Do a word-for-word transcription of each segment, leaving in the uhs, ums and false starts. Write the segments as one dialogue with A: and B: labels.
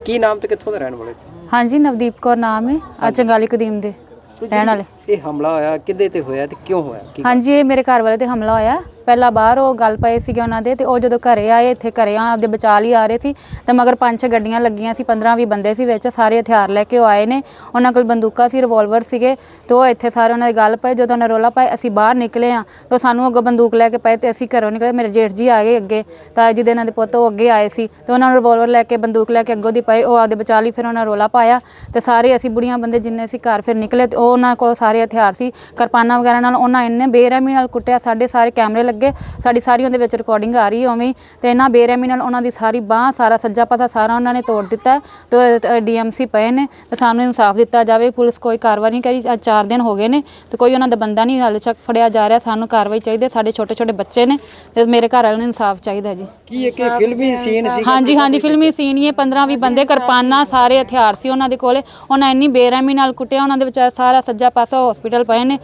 A: ਕੀ ਨਾਮ ਤੇ ਕਿੱਥੋਂ ਦੇ ਰਹਿਣ ਵਾਲੇ?
B: ਹਾਂਜੀ ਨਵਦੀਪ ਕੌਰ ਨਾਮ ਹੈ ਆ ਚੰਗਾਲੀ ਕਦੀਮ ਦੇ ਰਹਿਣ ਵਾਲੇ।
A: ਇਹ ਹਮਲਾ ਹੋਇਆ ਕਿੱਦੇ ਤੇ ਹੋਇਆ ਤੇ ਕਿਉਂ ਹੋਇਆ?
B: ਹਾਂਜੀ ਇਹ ਮੇਰੇ ਘਰ ਵਾਲੇ ਤੇ ਹਮਲਾ ਹੋਇਆ। ਪਹਿਲਾਂ ਬਾਹਰ ਉਹ ਗੱਲ ਪਏ ਸੀਗੇ ਉਹਨਾਂ ਦੇ ਤੇ ਉਹ ਜਦੋਂ ਘਰੇ ਆਏ ਇੱਥੇ ਘਰੇ ਆ ਆਪਦੇ ਬਚਾ ਲਈ ਆ ਰਹੇ ਸੀ ਤੇ ਮਗਰ ਪੰਜ ਛੇ ਗੱਡੀਆਂ ਲੱਗੀਆਂ ਸੀ, ਪੰਦਰਾਂ ਵੀਹ ਬੰਦੇ ਸੀ ਵਿੱਚ, ਸਾਰੇ ਹਥਿਆਰ ਲੈ ਕੇ ਉਹ ਆਏ ਨੇ। ਉਹਨਾਂ ਕੋਲ ਬੰਦੂਕਾਂ ਸੀ, ਰਿਵੋਲਵਰ ਸੀਗੇ ਤੇ ਉਹ ਇੱਥੇ ਸਾਰੇ ਉਹਨਾਂ ਦੀ ਗੱਲ ਪਏ। ਜਦੋਂ ਉਹਨਾਂ ਰੋਲਾ ਪਾਏ ਅਸੀਂ ਬਾਹਰ ਨਿਕਲੇ ਆ ਤਾਂ ਸਾਨੂੰ ਅੱਗੋਂ ਬੰਦੂਕ ਲੈ ਕੇ ਪਏ ਤੇ ਅਸੀਂ ਘਰੋਂ ਨਿਕਲੇ। ਮੇਰੇ ਜੇਠ ਜੀ ਆ ਗਏ ਅੱਗੇ, ਤਾਂ ਜਿਹਦੇ ਇਹਨਾਂ ਦੇ ਪੁੱਤ ਉਹ ਅੱਗੇ ਆਏ ਸੀ ਤੇ ਉਹਨਾਂ ਨੂੰ ਰਿਵੋਲਵਰ ਲੈ ਕੇ ਬੰਦੂਕ ਲੈ ਕੇ ਅੱਗੋਂ ਦੀ ਪਏ। ਉਹ ਆਪਦੇ ਬਚਾ ਲਈ, ਫਿਰ ਉਹਨਾਂ ਰੋਲਾ ਪਾਇਆ ਤੇ ਸਾਰੇ ਅਸੀਂ ਬੁੜੀਆਂ ਬੰਦੇ ਜਿੰਨੇ ਸੀ ਘਰ ਫਿਰ ਨਿਕਲੇ ਤੇ ਉਹ ਉਹਨਾਂ ਕੋਲ ਸਾਰੇ ਹਥਿਆਰ ਸੀ, ਕਿਰਪਾਨਾਂ ਵਗੈਰਾ ਨਾਲ ਉਹਨਾਂ ਇੰਨੇ ਬੇਰਹਿਮੀ ਨਾਲ ਕੁੱਟਿਆ। ਸਾਡੇ ਸਾਰੇ ਕੈਮਰੇ ਲੱਗੇ, ਸਾਡੀ ਸਾਰੀ ਉਹਦੇ ਵਿੱਚ ਰਿਕਾਰਡਿੰਗ ਆ ਰਹੀ ਉਵੇਂ ਤੇ ਇਹਨਾਂ ਬੇਰਹਿਮੀ ਨਾਲ ਉਹਨਾਂ ਦੀ ਸਾਰੀ ਬਾਂਹ, ਸਾਰਾ ਸੱਜਾ ਪਾਸਾ ਸਾਰਾ ਉਹਨਾਂ ਨੇ ਤੋੜ ਦਿੱਤਾ ਤੇ ਡੀਐਮਸੀ ਪਏ ਨੇ ਤੇ ਸਾਨੂੰ ਇਨਸਾਫ ਦਿੱਤਾ ਜਾਵੇ। ਪੁਲਿਸ ਕੋਈ ਕਾਰਵਾਈ ਨਹੀਂ ਕਰੀ, ਅੱਜ ਚਾਰ ਦਿਨ ਹੋ ਗਏ ਨੇ ਤੇ ਕੋਈ ਉਹਨਾਂ ਦਾ ਬੰਦਾ ਨਹੀਂ ਹਾਲੇ ਤੱਕ ਫੜਿਆ ਜਾ ਰਿਹਾ। ਸਾਨੂੰ ਕਾਰਵਾਈ ਚਾਹੀਦੀ, ਸਾਡੇ ਛੋਟੇ ਛੋਟੇ ਬੱਚੇ ਨੇ ਤੇ ਮੇਰੇ ਘਰ ਵਾਲਿਆਂ ਨੂੰ ਇਨਸਾਫ ਚਾਹੀਦਾ ਜੀ।
A: ਕੀ ਇਹ ਫਿਲਮੀ ਸੀਨ ਸੀ?
B: ਹਾਂਜੀ ਹਾਂਜੀ ਫਿਲਮੀ ਸੀਨ ਹੀ। ਪੰਦਰਾਂ ਵੀਹ ਬੰਦੇ, ਕਿਰਪਾਨਾਂ, ਸਾਰੇ ਹਥਿਆਰ ਸੀ ਉਹਨਾਂ ਦੇ ਕੋਲੇ। ਉਹਨਾਂ ਇੰਨੀ ਬੇਰਹਿਮੀ ਨਾਲ ਕੁੱਟਿਆ, ਉਹਨਾਂ ਦੇ ਵਿਚਾਰ ਸਾਰਾ ਸੱਜਾ ਪਾਸਾ ਹਸਪੀਟਲ ਪਏ ਨੇ।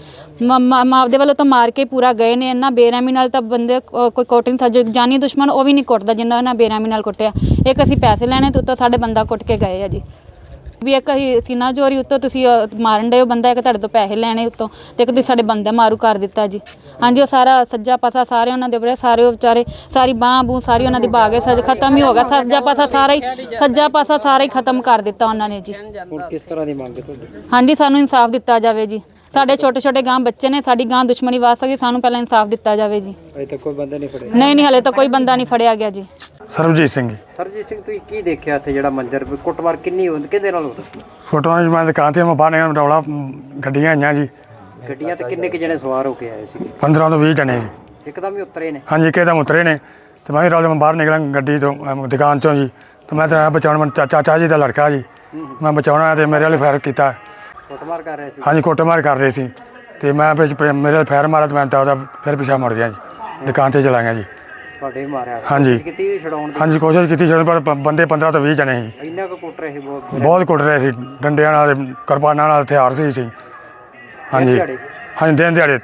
B: ਆਪਦੇ ਵੱਲੋਂ ਤਾਂ ਮਾਰ ਕੇ ਪੂਰਾ ਗਏ ਨੇ। ਇੰਨਾ ਬੇਰਹਿਮੀ ਨਾਲ ਤਾਂ ਬੰਦੇ ਕੋਈ ਕੁੱਟ ਨਹੀਂ ਸਕਦਾ। ਜਾਨੀ ਦੁਸ਼ਮਣ ਉਹ ਵੀ ਨਹੀਂ ਕੁੱਟਦਾ ਜਿੰਨਾ ਉਹਨਾਂ ਬੇਰਹਿਮੀ ਨਾਲ ਕੁੱਟਿਆ। ਇੱਕ ਅਸੀਂ ਪੈਸੇ ਲੈਣੇ ਤੇ ਉੱਤੋਂ ਸਾਡੇ ਬੰਦਾ ਕੁੱਟ ਕੇ ਗਏ ਆ ਜੀ। ਵੀ ਇੱਕ ਅਸੀਂ ਸੀਨਾ ਚੋਰੀ ਉੱਤੋਂ ਤੁਸੀਂ ਮਾਰਨ ਡਏ ਹੋ ਬੰਦਾ, ਇੱਕ ਤੁਹਾਡੇ ਤੋਂ ਪੈਸੇ ਲੈਣੇ ਉੱਤੋਂ ਤੇ ਇੱਕ ਤੁਸੀਂ ਸਾਡੇ ਬੰਦੇ ਮਾਰੂ ਕਰ ਦਿੱਤਾ ਜੀ। ਹਾਂਜੀ ਉਹ ਸਾਰਾ ਸੱਜਾ ਪਾਸਾ ਸਾਰੇ ਉਹਨਾਂ ਦੇ ਬੜੇ ਸਾਰੇ ਉਹ ਵਿਚਾਰੇ ਸਾਰੀ ਬਾਂਹ ਬੂਹ ਸਾਰੀ ਉਹਨਾਂ ਦੀ ਬਾਗੇ ਸੱਜ ਖਤਮ ਹੀ ਹੋ ਗਿਆ। ਸੱਜਾ ਪਾਸਾ ਸਾਰਾ ਹੀ ਸੱਜਾ ਪਾਸਾ ਸਾਰਾ ਹੀ ਖਤਮ ਕਰ ਦਿੱਤਾ ਉਹਨਾਂ ਨੇ ਜੀ।
A: ਹੁਣ ਕਿਸ ਤਰ੍ਹਾਂ ਦੀ ਮੰਗ ਹੈ ਤੁਹਾਡੀ?
B: ਹਾਂਜੀ ਸਾਨੂੰ ਇਨਸਾਫ ਦਿੱਤਾ ਜਾਵੇ ਜੀ। ਸਾਡੇ ਛੋਟੇ ਛੋਟੇ ਗਾਂ ਬੱਚੇ ਨੇ, ਸਾਡੀ ਗਾਂ ਦੁਸ਼ਮਣੀ ਵਾਸ ਸਕਦੀ, ਸਾਨੂੰ ਪਹਿਲਾਂ ਇਨਸਾਫ ਦਿੱਤਾ ਜਾਵੇ ਜੀ।
A: ਅਜੇ ਤੱਕ ਕੋਈ ਬੰਦਾ ਨਹੀਂ ਫੜਿਆ?
B: ਨਹੀਂ ਨਹੀਂ ਹਲੇ ਤਾਂ ਕੋਈ ਬੰਦਾ ਨਹੀਂ ਫੜਿਆ ਗਿਆ ਜੀ।
C: ਸਰਬਜੀਤ ਸਿੰਘ।
A: ਸਰਬਜੀਤ ਸਿੰਘ ਤੁਸੀਂ ਕੀ ਦੇਖਿਆ ਇੱਥੇ ਜਿਹੜਾ ਮੰਜ਼ਰ ਕੁੱਟਮਾਰ ਕਿੰਨੀ ਹੁੰਦੀ ਕਿਹਦੇ ਨਾਲ ਹੁੰਦੀ?
C: ਫੋਟੋਆਂ ਜੀ ਮੈਂ ਦੁਕਾਨ ਤੇ ਮੈਂ ਬਾਹਰ ਨਿਕਲ ਰੌਲਾ ਗੱਡੀਆਂ ਆਈਆਂ ਜੀ।
A: ਗੱਡੀਆਂ ਤੇ ਕਿੰਨੇ ਕੁ ਜਣੇ ਸਵਾਰ ਹੋ ਕੇ ਆਏ ਸੀ?
C: ਪੰਦਰਾਂ ਤੋਂ ਵੀਹ ਜਣੇ ਜੀ।
A: ਇੱਕਦਮ ਹੀ ਉਤਰੇ ਨੇ?
C: ਹਾਂਜੀ ਇੱਕਦਮ ਉਤਰੇ ਨੇ ਤੇ ਮੈਂ ਵੀ ਰੌਲੇ ਮੈਂ ਬਾਹਰ ਨਿਕਲਾਂ ਗੱਡੀ ਤੋਂ ਅਮ, ਦੁਕਾਨ ਚੋਂ ਜੀ। ਤੇ ਮੈਂ ਤਾਂ ਬਚਾਉਣ ਮੈਂ ਚਾ- ਚਾਚਾ ਜੀ ਦਾ ਲੜਕਾ ਜੀ, ਮੈਂ ਬਚਾਉਣਾ ਤੇ ਮੇਰੇ ਵਾਲੇ ਫਾਇਰ ਕੀਤਾ।
A: ਕੁੱਟਮਾਰ ਕਰ ਰਹੇ ਸੀ?
C: ਹਾਂਜੀ ਕੁੱਟਮਾਰ ਕਰ ਰਹੇ ਸੀ ਤੇ ਮੈਂ ਵਿੱਚ ਪ- ਮੇਰੇ ਵਾਲੇ ਫਾਇਰ ਮਾਰਾ ਤੇ ਮੈਂ ਤਾਂ ਉਹਦਾ ਫਿਰ ਪਿੱਛਾ ਮੁੜ ਗਿਆ ਜੀ, ਦੁਕਾਨ ਤੇ ਚਲਾ ਗਿਆ ਜੀ।
A: ਤੁਹਾਡੇ ਵੀ ਮਾਰਿਆ?
C: ਹਾਂਜੀ
A: ਕੀਤੀ ਛਡਾਉਣ ਦੀ?
C: ਹਾਂਜੀ ਕੋਸ਼ਿਸ਼ ਕੀਤੀ ਜਦੋਂ ਪਰ ਪ- ਬੰਦੇ ਪੰਦਰਾਂ ਤੋਂ ਵੀਹ ਜਣੇ ਸੀ।
A: ਇੰਨਾ ਕੁ ਕੁੱਟ ਰਹੇ ਸੀ? ਬਹੁਤ
C: ਬਹੁਤ ਕੁੱਟ ਰਹੇ ਸੀ, ਡੰਡਿਆਂ ਨਾਲ, ਕਿਰਪਾਨਾਂ ਨਾਲ, ਹਥਿਆਰ ਸੀ ਸੀ ਹਾਂਜੀ
A: ਦਿਹਾੜੇ?
C: ਹਾਂਜੀ ਦਿਨ ਦਿਹਾੜੇ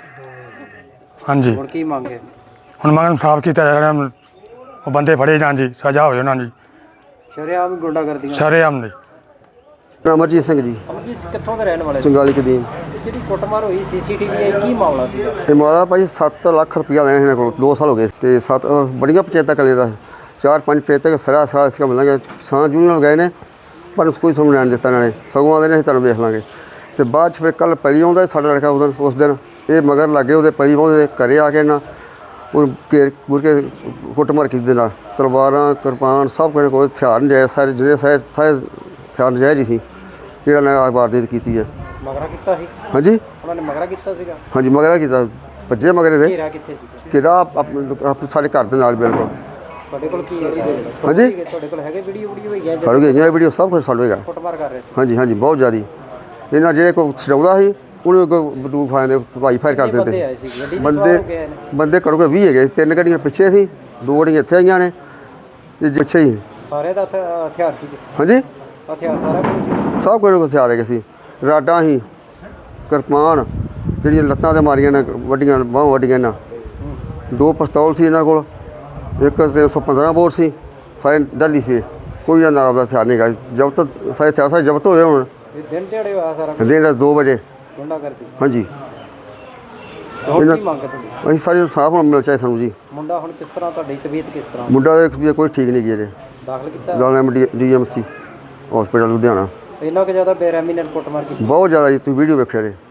C: ਹਾਂਜੀ।
A: ਹੁਣ ਕੀ ਮੰਗ ਹੈ? ਹੁਣ
C: ਹੁਣ ਮੈਂ ਸਾਫ਼ ਕੀਤਾ ਜਾਵੇ, ਉਹ ਬੰਦੇ ਫੜੇ ਜਾਣ ਜੀ, ਸਜ਼ਾ ਹੋਵੇ ਉਹਨਾਂ ਦੀ
A: ਸ਼ਰੇਆਮ ਗੁੰਡਾਗਰਦੀ?
C: ਸ਼ਰੇਆਮ ਦੀ।
D: ਅਮਰਜੀਤ ਸਿੰਘ ਜੀ,
A: ਅਮਰਜੀਤ ਕਿੱਥੋਂ ਦੇ ਰਹਿਣ ਵਾਲੇ?
D: ਚੰਗਾਲੀ ਕਦੀਮ।
A: ਜਿਹੜੀ ਕੁੱਟਮਾਰ ਹੋਈ ਸੀਸੀਟੀਵੀ ਆਈ, ਕੀ ਮਾਮਲਾ ਸੀ?
D: ਇਹ ਮਾਰਾ ਭਾਜੀ ਸੱਤ ਲੱਖ ਰੁਪਇਆ ਲੈਣਾ ਇਹਨਾਂ ਕੋਲ, ਦੋ ਸਾਲ ਹੋ ਗਏ ਤੇ ਸੱਤ ਅਹ ਬੜੀਆਂ ਪੰਚਾਇਤਾਂ ਕਲੇ ਦਾ ਚਾਰ ਪੰਜ ਪੰਚਾਇਤਾਂ ਸਾਰਾ ਸਾਰਾ ਇਸ ਕੰਮ ਲਾਂਗੇ। ਸਾਂ ਜੂਨੀਅਰ ਗਏ ਨੇ ਪਰ ਕੋਈ ਸਮਝ ਨਹੀਂ ਦਿੱਤਾ ਇਹਨਾਂ ਨੇ, ਸਗੋਂ ਆਉਂਦੇ ਨੇ ਅਸੀਂ ਤੁਹਾਨੂੰ ਵੇਖ ਲਾਂਗੇ। ਤੇ ਬਾਅਦ 'ਚ ਫਿਰ ਕੱਲ੍ਹ ਪਹਿਲੀ ਆਉਂਦਾ ਸਾਡਾ ਲੜਕਾ ਉਦੋਂ ਉਸ ਦਿਨ ਇਹ ਮਗਰ ਲੱਗੇ ਉਹਦੇ ਪਹਿਲੀ ਆਉਂਦੇ ਘਰੇ ਆ ਕੇ ਨਾ ਉਹ ਘੇਰ ਘੁਰ ਕੇ ਕੁੱਟਮਾਰ ਕੀਤੀ ਦੇ ਨਾਲ, ਤਲਵਾਰਾਂ ਕਿਰਪਾਨ ਸਭ ਕੁਝ ਕੋਈ ਹਥਿਆਰ ਨਜਾਇਜ਼ ਸਾਰੇ ਜਿਹੜੇ ਸਾਰੇ ਸਾਰੇ ਹਥਿਆਰ ਨਜਾਇਜ਼ ਹੀ ਸੀ ਜਿਹੜਾ ਨਾ ਵਾਰਦਾਤ ਕੀਤੀ ਹੈ।
A: ਮਗਰਾ ਕੀਤਾ ਸੀ?
D: ਹਾਂਜੀ
A: ਉਹਨਾਂ ਨੇ ਮਗਰਾ ਕੀਤਾ ਸੀਗਾ?
D: ਹਾਂਜੀ ਮਗਰਾ ਕੀਤਾ, ਭੱਜੇ ਮਗਰੇ ਦੇ
A: ਘੇਰਾ ਕਿੱਥੇ ਸੀ?
D: ਕਿ ਰਾਹ ਆਪਣੇ ਸਾਡੇ ਘਰ ਦੇ ਨਾਲ ਬਿਲਕੁਲ।
A: ਤੁਹਾਡੇ ਕੋਲ ਕੀ ਹੈ?
D: ਹਾਂਜੀ
A: ਤੁਹਾਡੇ ਕੋਲ ਹੈਗੇ ਵੀਡੀਓ ਵੀਡੀਓ ਹੋਈਆਂ
D: ਸਾਡੇ ਕੋਲ ਇਹ ਵੀਡੀਓ ਸਭ ਕੁਝ ਸਾਡੇ ਹੈਗਾ।
A: ਕੁੱਟਮਾਰ ਕਰ ਰਹੇ ਸੀ?
D: ਹਾਂਜੀ ਹਾਂਜੀ ਬਹੁਤ ਜ਼ਿਆਦੀ। ਇਹਨਾਂ ਜਿਹੜੇ ਕੋਈ ਛਡਾਉਂਦਾ ਸੀ ਉਹਨੂੰ ਅੱਗੋਂ ਬੰਦੂਕ ਫਾਇਦੇ ਭਾਈ ਫਾਇਰ ਕਰ ਦਿੰਦੇ
A: ਆਏ ਸੀ ਗੱਡੀ?
D: ਬੰਦੇ ਬੰਦੇ ਘੱਟੋ ਘੱਟ ਵੀਹ ਹੈਗੇ, ਤਿੰਨ ਗੱਡੀਆਂ ਪਿੱਛੇ ਸੀ, ਦੋ ਗੱਡੀਆਂ ਇੱਥੇ ਆਈਆਂ ਨੇ ਤੇ ਪਿੱਛੇ ਹੀ।
A: ਸਾਰੇ ਦਾ ਹਥਿਆਰ ਸੀ?
D: ਹਾਂਜੀ
A: ਹਥਿਆਰ ਸਾਰਾ ਕੁਝ?
D: ਸਭ ਕੁਝ ਹਥਿਆਰ ਹੈਗੇ ਸੀ, ਰਾਡਾਂ ਸੀ, ਕਿਰਪਾਨ ਜਿਹੜੀਆਂ ਲੱਤਾਂ 'ਤੇ ਮਾਰੀਆਂ ਨੇ ਵੱਡੀਆਂ ਬਾਹਾਂ ਵੱਡੀਆਂ ਇਹਨਾਂ, ਦੋ ਪਿਸਤੌਲ ਸੀ ਇਹਨਾਂ ਕੋਲ, ਇੱਕ ਤਿੰਨ ਸੌ ਪੰਦਰਾਂ ਬੋਰ ਸੀ, ਸਾਰੇ ਡਾਲੀ ਸੀ। ਕੋਈ ਨਾ ਨਾਮ ਦਾ ਹਥਿਆਰ ਨਹੀਂ ਹੈਗਾ। ਜ਼ਬਤ ਸਾਰੇ ਹਥਿਆਰ ਸਾਰੇ ਜ਼ਬਤ ਹੋਏ ਹੁਣ।
A: ਇਹ ਦਿਨ ਦਿਹਾੜੇ ਹੋਇਆ ਸਾਰਾ?
D: ਦਿਨ ਦੋ ਵਜੇ।
A: ਗੁੰਡਾ ਕਰਦੀ?
D: ਹਾਂਜੀ।
A: ਹੁਣ ਕੀ ਮੰਗ ਹੈ ਤੁਹਾਡੀ?
D: ਅਸੀਂ ਸਾਰੇ ਸਾਫ ਮਿਲਣਾ ਚਾਹੀਦਾ ਸਾਨੂੰ ਜੀ।
A: ਮੁੰਡਾ ਹੁਣ ਕਿਸ ਤਰ੍ਹਾਂ, ਤੁਹਾਡੀ ਤਬੀਅਤ ਕਿਸ ਤਰ੍ਹਾਂ?
D: ਮੁੰਡਾ ਦਾ ਕੋਈ ਠੀਕ ਨਹੀਂ ਗਿਆ ਜੇ,
A: ਦਾਖਲ ਕੀਤਾ?
D: ਦਾਣਾ D M C hospital Ludhiana.
A: ਇੰਨਾ ਕੁ ਜ਼ਿਆਦਾ ਬੇਰਹਿਮੀ ਨਾਲ ਕੁੱਟਮਾਰ ਕੀਤੀ?
D: ਬਹੁਤ ਜ਼ਿਆਦਾ ਜੀ, ਤੁਸੀਂ ਵੀਡੀਓ ਵੇਖਿਆ ਜੇ।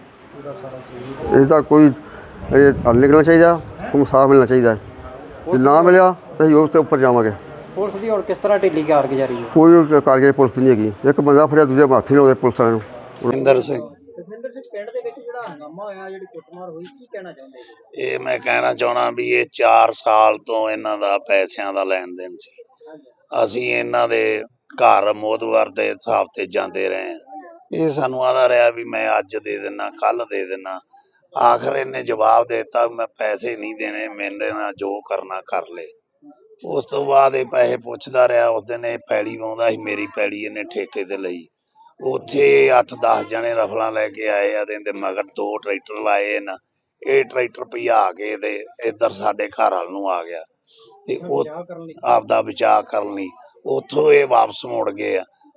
D: ਇਹਦਾ ਕੋਈ ਇਹ ਹੱਲ ਨਿਕਲਣਾ ਚਾਹੀਦਾ, ਉਹਨੂੰ ਸਾਫ ਮਿਲਣਾ ਚਾਹੀਦਾ। ਜੇ ਨਾ ਮਿਲਿਆ ਤਾਂ ਅਸੀਂ ਉਸ ਤੋਂ ਉੱਪਰ ਜਾਵਾਂਗੇ।
A: ਪੁਲਿਸ ਦੀ ਹੁਣ ਕਿਸ ਤਰ੍ਹਾਂ ਢਿੱਲੀ ਕਾਰਗੁਜ਼ਾਰੀ ਹੈ?
D: ਕੋਈ ਕਾਰਗੁਜ਼ਾਰੀ ਪੁਲਿਸ ਦੀ ਨਹੀਂ ਹੈਗੀ। ਇੱਕ ਬੰਦਾ ਫੜਿਆ, ਦੂਜੇ ਹੱਥ ਨਹੀਂ ਲਾਉਂਦੇ ਪੁਲਿਸ ਵਾਲਿਆਂ ਨੂੰ।
E: ਇੰਦਰ ਸਿੰਘ।
A: ਜਸਵਿੰਦਰ ਸਿੰਘ, ਪਿੰਡ ਦੇ ਵਿੱਚ ਜਿਹੜਾ ਹੰਗਾਮਾ ਹੋਇਆ, ਜਿਹੜੀ ਕੁੱਟਮਾਰ ਹੋਈ, ਕੀ ਕਹਿਣਾ ਚਾਹੁੰਦੇ ਜੀ?
E: ਇਹ ਮੈਂ ਕਹਿਣਾ ਚਾਹਣਾ ਵੀ ਇਹ ਚਾਰ ਸਾਲ ਤੋਂ ਇਹਨਾਂ ਦਾ ਪੈਸਿਆਂ ਦਾ ਲੈਣ ਦੇਣ ਸੀ। ਅਸੀਂ ਇਹਨਾਂ ਦੇ ਘਰ ਮੋਦਵਾਰ ਦੇ ਹਿਸਾਬ ਤੇ ਜਾਂਦੇ ਰਹੇ। ਇਹ ਸਾਨੂੰ ਆਦਾ ਰਿਹਾ ਵੀ ਮੈਂ ਅੱਜ ਦੇ ਦਿਨਾ, ਕੱਲ ਦੇ ਦਿਨਾ। ਆਖਰ ਇਹਨੇ ਜਵਾਬ ਦੇ ਦਿੱਤਾ ਮੈਂ ਪੈਸੇ ਨਹੀਂ ਦੇਣੇ, ਮੇਰੇ ਨਾਲ ਜੋ ਕਰਨਾ ਕਰ ਲੈ। ਉਸ ਤੋਂ ਬਾਅਦ ਇਹ ਪੈਸੇ ਪੁੱਛਦਾ ਰਿਹਾ। ਉਸ ਦਿਨ ਇਹ ਪੈਲੀ ਵਾਉਂਦਾ ਸੀ, ਮੇਰੀ ਪੈਲੀ ਇਹਨੇ ਠੇਕੇ ਤੇ ਲਈ। ਉੱਥੇ ਅੱਠ ਦਸ ਜਣੇ ਰਫਲਾਂ ਲੈ ਕੇ ਆਏ ਆ, ਤੇ ਮਗਰ ਦੋ ਟਰੈਕਟਰ ਲਾਏ ਨਾ। ਇਹ ਟਰੈਕਟਰ ਭਜਾ ਕੇ ਤੇ ਇੱਧਰ ਸਾਡੇ ਘਰ ਵੱਲ ਨੂੰ ਆ ਗਿਆ ਤੇ ਉਹ ਆਪਦਾ ਬਚਾਅ ਕਰਨ ਲਈ ਉੱਥੋਂ ਇਹ ਵਾਪਸ ਮੁੜ ਗਏ ਆ।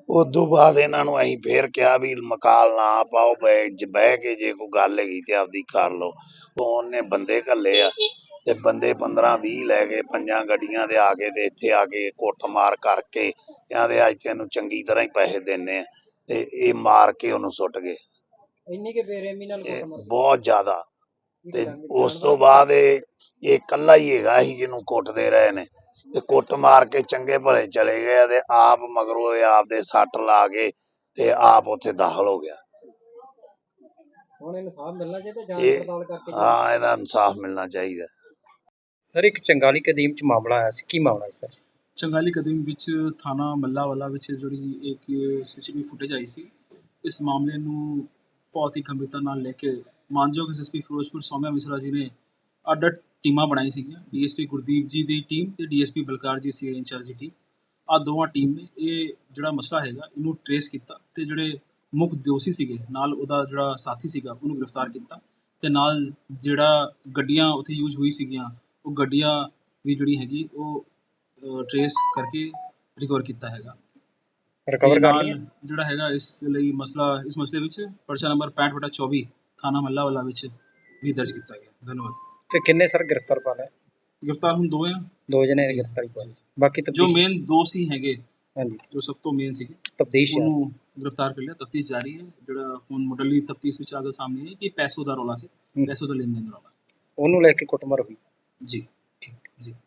E: ਉਦੋਂ ਬਾਅਦ ਇਹਨਾਂ ਨੂੰ ਅਸੀਂ ਫੇਰ ਕਿਹਾ ਵੀ ਮਕਾਲ ਨਾ ਪਾਓ, ਬਹਿ ਜ- ਬਹਿ ਕੇ ਜੇ ਕੋਈ ਗੱਲ ਹੈਗੀ ਤੇ ਆਪਦੀ ਕਰ ਲਓ। ਉਹਨੇ ਬੰਦੇ ਘੱਲੇ ਆ ਤੇ ਬੰਦੇ ਪੰਦਰਾਂ ਵੀਹ ਲੈ ਕੇ ਪੰਜਾਂ ਗੱਡੀਆਂ ਦੇ ਆ ਕੇ ਤੇ ਇੱਥੇ ਆ ਕੇ ਕੁੱਟਮਾਰ ਕਰਕੇ ਕਹਿੰਦੇ ਅੱਜ ਤੈਨੂੰ ਚੰਗੀ ਤਰ੍ਹਾਂ ਹੀ ਪੈਸੇ ਦਿੰਨੇ ਆ, ਤੇ ਇਹ ਮਾਰ ਕੇ ਉਹਨੂੰ ਸੁੱਟ ਗਏ।
A: ਇੰਨੀ ਕਿ ਬੇਰਹਿਮੀ ਨਾਲ
E: ਇਹ
A: ਕੁੱਟਮਾਰ
E: ਬਹੁਤ ਜ਼ਿਆਦਾ।
A: ਕੀ
E: ਤੇ
A: ਕਰਾਂਗੇ?
E: ਉਸ ਤੋਂ ਬਾਅਦ ਇਹ ਇਹ ਇਕੱਲਾ ਹੀ ਹੈਗਾ ਸੀ ਜਿਹਨੂੰ ਕੁੱਟਦੇ ਰਹੇ ਨੇ, ਤੇ ਕੁੱਟ ਮਾਰ ਕੇ ਚੰਗੇ ਭਲੇ ਚਲੇ ਗਏ ਤੇ ਆਪ ਮਗਰੋਂ ਇਹ ਆਪਦੇ ਸੱਟ ਲਾ ਕੇ ਤੇ ਆਪ ਉੱਥੇ ਦਾਖਲ ਹੋ ਗਿਆ।
A: ਹੁਣ ਇਨਸਾਫ ਮਿਲਣਾ ਚਾਹੀਦਾ, ਜਾਂਚ
E: ਇਹ
A: ਪੜਤਾਲ ਕਰਕੇ।
E: ਹਾਂ, ਇਹਦਾ ਇਨਸਾਫ ਮਿਲਣਾ ਚਾਹੀਦਾ।
A: ਸਰ, ਇੱਕ ਚੰਗਾਲੀ ਕਦੀਮ ਚ ਮਾਮਲਾ ਆਇਆ ਸੀ, ਕੀ ਮਾਮਲਾ ਹੈ ਸਰ?
F: ਚੰਗਾਲੀ ਕਦੀਮ ਵਿੱਚ ਥਾਣਾ ਮੱਲਾਵਾਲਾ ਵਿੱਚ ਜਿਹੜੀ ਇੱਕ ਸੀਸੀਟੀਵੀ ਫੁਟੇਜ ਆਈ ਸੀ, ਇਸ ਮਾਮਲੇ ਨੂੰ ਬਹੁਤ ਹੀ ਗੰਭੀਰਤਾ ਨਾਲ ਲੈ ਕੇ ਮਾਨਯੋਗ ਐਸਐਸਪੀ ਫਿਰੋਜ਼ਪੁਰ ਸੌਮਿਆ ਮਿਸਰਾ ਜੀ ਨੇ ਅੱਡ ਅੱਡ ਟੀਮਾਂ ਬਣਾਈ ਸੀਗੀਆਂ। ਡੀਐਸਪੀ ਗੁਰਦੀਪ ਜੀ ਦੀ ਟੀਮ ਤੇ ਡੀਐਸਪੀ ਬਲਕਾਰ ਜੀ ਸੀ ਇੰਚਾਰਜ ਦੀ ਟੀਮ। ਆਹ ਦੋਵਾਂ ਟੀਮ ਨੇ ਇਹ ਜਿਹੜਾ ਮਸਲਾ ਹੈਗਾ ਇਹਨੂੰ ਟਰੇਸ ਕੀਤਾ ਤੇ ਜਿਹੜੇ ਮੁੱਖ ਦੋਸ਼ੀ ਸੀਗੇ ਨਾਲ ਉਹਦਾ ਜਿਹੜਾ ਸਾਥੀ ਸੀਗਾ ਉਹਨੂੰ ਗ੍ਰਿਫਤਾਰ ਕੀਤਾ, ਤੇ ਨਾਲ ਜਿਹੜਾ ਗੱਡੀਆਂ ਉੱਥੇ ਯੂਜ਼ ਹੋਈ ਸੀਗੀਆਂ ਉਹ ਗੱਡੀਆਂ ਵੀ ਜਿਹੜੀ ਹੈਗੀ ਉਹ ਟਰੇਸ ਕਰਕੇ ਰਿਕਵਰ ਕੀਤਾ ਹੈਗਾ।
A: ਰਿਕਵਰ ਕਰ
F: ਨਾਲ
A: ਲਿਆ?
F: ਜਿਹੜਾ ਹੈਗਾ ਇਸ ਲਈ ਮਸਲਾ ਇਸ ਮਸਲੇ ਵਿੱਚ ਪਰਚਾ ਨੰਬਰ ਪੈਂਹਠ ਬਟਾ ਚੌਵੀ ਥਾਣਾ ਮੱਲਾਵਾਲਾ ਵਿੱਚ ਵੀ ਦਰਜ ਕੀਤਾ ਗਿਆ। ਧੰਨਵਾਦ।
A: ਤੇ ਕਿੰਨੇ ਸਰ ਗ੍ਰਿਫਤਾਰ ਪਾ ਲਏ?
F: ਗ੍ਰਿਫਤਾਰ ਹੁਣ ਦੋ ਆ,
A: ਦੋ ਜਣੇ ਗ੍ਰਿਫਤਾਰੀ ਪਾ ਲਈ, ਬਾਕੀ
F: ਜੋ
A: ਤਫਤੀਸ਼।
F: ਮੇਨ ਦੋ ਸੀ ਹੈਗੇ,
A: ਹਾਂਜੀ,
F: ਜੋ ਸਭ ਤੋਂ ਮੇਨ ਸੀਗੇ,
A: ਤਫਤੀਸ਼
F: ਉਹਨੂੰ ਗ੍ਰਿਫਤਾਰ ਕਰ ਲਿਆ। ਤਫਤੀਸ਼ ਜਾਰੀ ਹੈ। ਜਿਹੜਾ ਹੁਣ ਮੁੱਢਲੀ ਤਫਤੀਸ਼ ਵਿੱਚ ਆਗਲ ਸਾਹਮਣੇ ਹੈ ਕਿ ਪੈਸੋ ਦਾ ਰੌਲਾ ਸੀ,
A: ਹੂੰ।
F: ਪੈਸੋ ਦਾ ਲੈਣ ਦੇਣ ਦਾ ਰੌਲਾ ਸੀ।
A: ਉਹਨੂੰ ਲੈ ਕੇ ਕੁੱਟਮਾਰ ਹੋਈ।
F: ਜੀ ਠੀਕ ਜੀ।